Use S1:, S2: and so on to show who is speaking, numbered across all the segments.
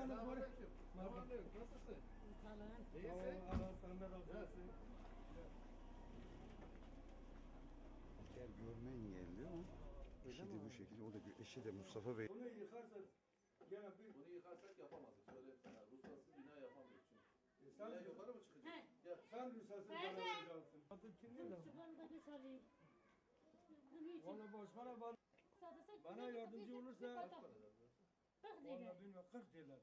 S1: Selamünaleyküm. Nasılsın? İyisin?
S2: Allah senden razı olsun.
S3: Gel görme engelli o. Eşi de bu şekilde. O da eşi de Mustafa Bey.
S2: Bunu yıkarsan gene bir...
S1: Bunu yıkarsak yapamazız. Söyleyeyim sana. Ruhsatsız bina yapamıyoruz çünkü.
S2: Sen,
S1: Bina yukarı mı çıkacak? Gel.
S2: sen ruhsatsız bana vereceksin. Adı kimdi lan? Valla başkana bana yardımcı olursa... Valla bilmiyorum 40 diyorlar.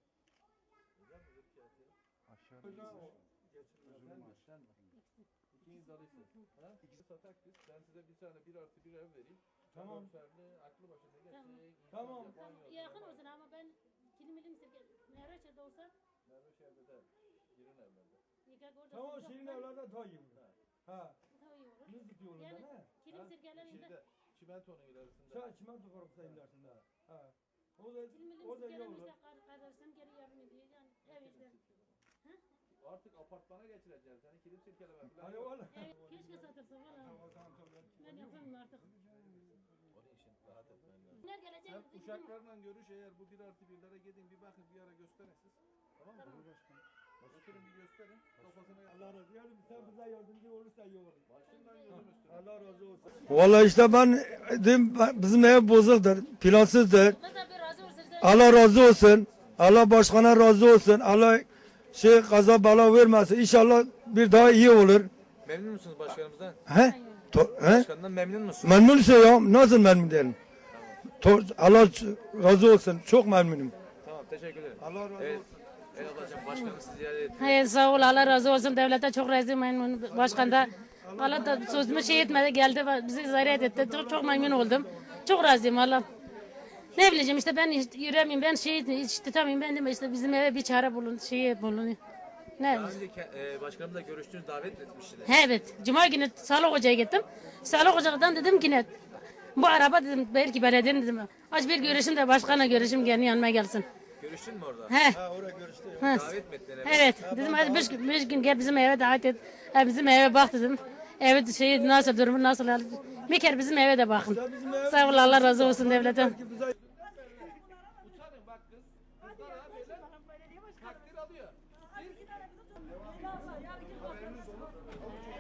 S3: Aşağı
S1: Sen mi? İkiniz alırsınız. İkisi satak biz. Ben size bir tane 1+1 ev vereyim.
S2: Tamam.
S1: Ferli, aklı başında geçecek.
S2: Tamam.
S4: Yakın olsun ama ben kilimilim sirke. Mehraç'ta olsa.
S1: Mehraç'ta de. Girin evlerde.
S4: Yıkak orada.
S2: Tamam Şirin evlerde daha iyi olur. Ha.
S4: Daha iyi olur.
S2: Nızık yolunda
S4: Yani
S2: ne?
S4: kilim sirkelerinde.
S1: Şeyde, çimentonun ilerisinde.
S2: Sen çimento korkusa ilerisinde. Ha. O da
S4: Kilimilim
S2: iyi olur.
S4: sirkelerimizde kardeşim geri yardım ediyor. Yani ev işte.
S1: Artık apartmana geçireceğiz. Yani kilim sirkeleme falan.
S2: Hani valla.
S4: Evet, keşke satılsa valla. Ben yapamam artık.
S1: Onun için rahat etmen lazım.
S4: Kimler gelecek?
S1: Sen uşaklarla görüş, eğer bu 1+1'lere gidin bir bakın, bir ara gösterin siz. Tamam mı? Oturun bir gösterin. Kafasına
S2: Allah razı olsun. Yani sen bize yardımcı olursa iyi olur.
S1: başından gözüm üstüne.
S2: Allah razı olsun. Vallahi işte ben dedim bizim ev bozuktur, plansızdır.
S4: Mesela bir razı olsun.
S2: Allah razı olsun. Allah başkana razı olsun. Allah kaza bala vermesin. İnşallah bir daha iyi olur.
S1: Memnun musunuz başkanımızdan?
S2: He? He?
S1: Başkanından memnun musun?
S2: Memnunsa ya nasıl memnun değilim? Allah razı olsun. Çok memnunum.
S1: Tamam, teşekkür ederim.
S2: Allah razı
S1: Evet.
S2: olsun.
S1: Ey ablacığım, başkanımızı ziyaret ettik.
S4: Hayır sağ ol Allah razı olsun. Devlete çok razı memnun. Başkan da Allah da sözümü şey etmedi geldi bizi ziyaret etti. Çok memnun oldum. Çok razıyım Allah. Ne bileceğim işte ben yürüyemeyim ben hiç tutamayayım ben de işte bizim eve bir çare bulun bulun. Ne?
S1: Daha önce başkanımızla görüştüğünüz davet etmiştiniz.
S4: Evet. Cuma günü Sağlık Hoca'ya gittim. Sağlık Hoca'dan dedim ki ne? Bu araba dedim belki belediyenin dedim. Aç bir görüşüm de başkanla görüşüm kendi yanıma gelsin.
S1: Görüştün mü orada?
S4: He.
S2: Ha oraya görüştü.
S1: Davet mi ettin eve?
S4: Evet. Dedim hadi bir gün gel bizim eve davet et. Bizim eve bak dedim. Evet şey nasıl durumu nasıl? Bir kere bizim eve de bakın. Sağ ol Allah razı olsun devletten.
S1: Utanın bak kız. Kızlar ha böyle takdir alıyor. Siz haberiniz olur.